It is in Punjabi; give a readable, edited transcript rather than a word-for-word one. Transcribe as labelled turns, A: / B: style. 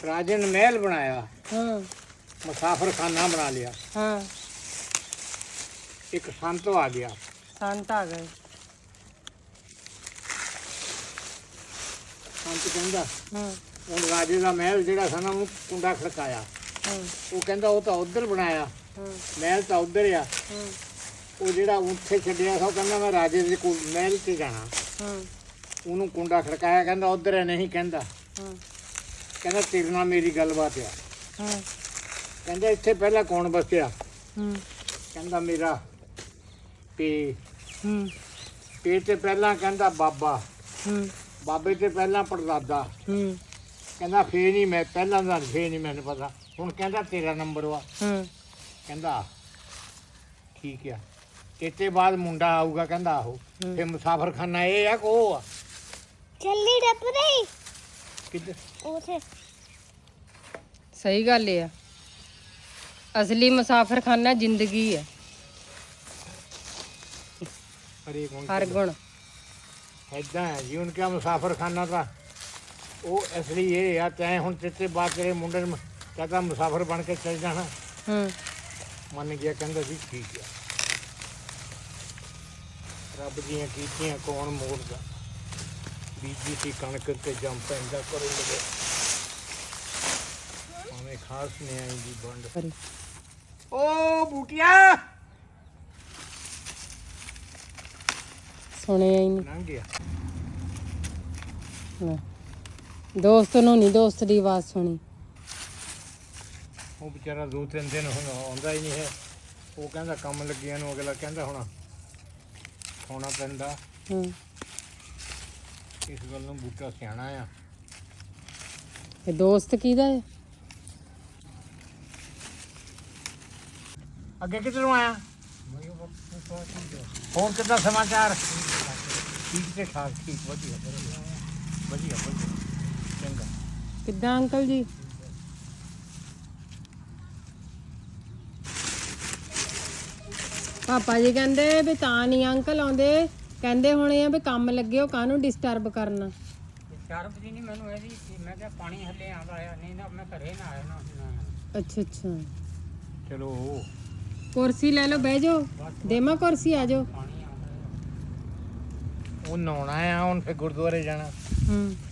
A: राजे ने महल बनाया,
B: हाँ
A: मुसाफिर खाना बना लिया।
B: हाँ
A: एक संत आ गया।
B: संत आ गए।
A: संत कहंदा
B: हाँ
A: ਹੁਣ ਰਾਜੇ ਦਾ ਮਹਿਲ ਜਿਹੜਾ ਸੀ ਨਾ ਉਹਨੂੰ ਕੁੰਡਾ ਖੜਕਾਇਆ।
B: हाँ
A: ਉਹ ਕਹਿੰਦਾ ਉਹ ਤਾਂ ਉੱਧਰ ਬਣਾਇਆ,
B: हाँ
A: ਮਹਿਲ ਤਾਂ ਉੱਧਰ ਆ।
B: हाँ
A: ਉਹ ਜਿਹੜਾ ਉੱਥੇ ਛੱਡਿਆ ਸੀ ਉਹ ਕਹਿੰਦਾ ਮੈਂ ਰਾਜੇ ਦੇ ਕੋਲ ਮਹਿਲ 'ਚ ਜਾਣਾ।
B: हाँ
A: ਉਹਨੂੰ ਕੁੰਡਾ ਖੜਕਾਇਆ, ਕਹਿੰਦਾ ਉੱਧਰ ਹੈ। ਨਹੀਂ ਕਹਿੰਦਾ,
B: हाँ
A: ਕਹਿੰਦਾ ਤੇਰੇ ਨਾਲ ਮੇਰੀ ਗੱਲਬਾਤ ਆ।
B: हाँ
A: ਕਹਿੰਦਾ ਇੱਥੇ ਪਹਿਲਾਂ ਕੌਣ ਬਸਿਆ?
B: हम्म
A: ਕਹਿੰਦਾ ਮੇਰਾ ਪੇ
B: हम्म
A: ਪੇ ਤੇ ਪਹਿਲਾਂ ਕਹਿੰਦਾ ਬਾਬਾ,
B: हम्म
A: ਬਾਬੇ ਤੇ ਪਹਿਲਾਂ ਪੜਦਾਦਾ।
B: हम्म
A: ਕਹਿੰਦਾ ਫੇਰ ਨਹੀਂ ਮੈਂ ਪਹਿਲਾਂ ਦਾ ਫੇਰ ਨਹੀਂ ਮੈਨੂੰ ਪਤਾ। ਹੁਣ ਕਹਿੰਦਾ ਤੇਰਾ ਨੰਬਰ ਵਾ।
B: हम्म
A: ਕਹਿੰਦਾ ਠੀਕ ਆ, ਇੱਥੇ ਬਾਅਦ ਮੁੰਡਾ ਆਊਗਾ। ਕਹਿੰਦਾ ਆਹੋ। ਫੇਰ ਮੁਸਾਫਰ ਖਾਨਾ ਇਹ ਆ ਕਿ ਉਹ ਆ?
C: ਚੱਲੀ ਡੱਪ ਰਹੀ
A: ਕਿੱਧਰ?
C: ਉਥੇ
B: ਸਹੀ ਗੱਲ ਆ। ਅਸਲੀ ਮੁਸਾਫਰਖਾਨਾ ਜ਼ਿੰਦਗੀ ਹੈ,
A: ਹਰੇਕ ਹੁਣ
B: ਹਰ ਗੁਣ।
A: ਏਦਾਂ ਹੈ ਜੀ। ਹੁਣ ਕਿਆ ਮੁਸਾਫਰ ਖਾਨਾ ਤਾਂ ਉਹ ਅਸਲੀ ਇਹ ਆ। ਤੈਂ ਹੁਣ ਤੇਤੇ ਬਾਅਦ ਤੇਰੇ ਮੁੰਡੇ ਨੂੰ ਕਹਿੰਦਾ ਮੁਸਾਫਰ ਬਣ ਕੇ ਚੱਲ ਜਾਣਾ।
B: ਹੂੰ
A: ਮੰਨ ਗਿਆ, ਕਹਿੰਦਾ ਜੀ ਠੀਕ ਆ। ਰੱਬ ਦੀਆਂ ਕੀਤੀਆਂ ਕੌਣ ਮੋੜਦਾ। ਬੀਜੀ ਸੀ ਕਣਕ ਤੇ ਜੰਮ ਪੈਂਦਾ ਕਰੋ ਲਗੇ ਭਾਵੇਂ ਖਾਸ ਨੇ ਆਈ ਦੀ ਬੰਡ। ਓ ਬੂਟੀਆ
B: ਸੁਣਿਆ ਹੀ ਨਹੀਂ।
A: ਲੰਘ ਗਿਆ।
B: ਲੈ, ਦੋਸਤ ਨੂੰ ਨਹੀਂ ਦੋਸਤ ਦੀ ਆਵਾਜ਼ ਸੁਣੀ।
A: ਉਹ ਵਿਚਾਰਾ 2-3 ਦਿਨ ਹੁਣ ਆਉਂਦਾ ਹੀ ਨਹੀਂ ਹੈ। ਉਹ ਕਹਿੰਦਾ ਕੰਮ ਲੱਗਿਆ ਨੂੰ। ਅਗਲਾ ਕਹਿੰਦਾ ਹੁਣ ਖਾਣਾ ਪੈਂਦਾ।
B: ਹੂੰ
A: ਇਸ ਗੱਲ ਨੂੰ ਬੂਟਾ ਸਿਆਣਾ ਆ।
B: ਇਹ ਦੋਸਤ ਕਿਹਦਾ ਹੈ?
A: ਅੱਗੇ ਕਿੱਧਰੋਂ ਆਇਆ? ਹੋਰ ਕਿੱਦਾਂ ਸਮਾਚਾਰ? ਠੀਕ ਤੇ ਠਾਕ। ਠੀਕ, ਵਧੀਆ ਵਧੀਆ ਵਧੀਆ ਵਧੀਆ ਚੰਗਾ।
B: ਕਿੱਦਾਂ ਅੰਕਲ ਜੀ? ਪਾਪਾ ਜੀ ਕਹਿੰਦੇ ਵੀ ਤਾਂ ਨਹੀਂ ਅੰਕਲ ਆਉਂਦੇ, ਕਹਿੰਦੇ ਹੋਣੇ ਆ ਵੀ ਕੰਮ ਲੱਗੇ ਹੋ, ਕਾਹਨੂੰ ਡਿਸਟਰਬ ਕਰਨਾ।
A: ਚਾਰਬ ਜੀ ਨਹੀਂ ਮੈਨੂੰ ਇਹਦੀ ਮੈਂ ਕਿਹਾ ਪਾਣੀ ਹੱਲੇ ਆਉਂਦਾ ਆ। ਨਹੀਂ ਨਾ ਮੈਂ ਘਰੇ ਨਾ ਆਇਆ ਨਾ।
B: ਅੱਛਾ ਅੱਛਾ,
A: ਚਲੋ
B: ਕੁਰਸੀ ਲੈ ਲਓ, ਬਹਿ ਜਾਓ। ਦੇਮਾ ਕੁਰਸੀ, ਆ ਜਾਓ।
A: ਪਾਣੀ ਆਉਂਦਾ। ਉਹ ਨਹਾਉਣਾ ਆ ਹੁਣ, ਫਿਰ ਗੁਰਦੁਆਰੇ ਜਾਣਾ।
B: ਹੂੰ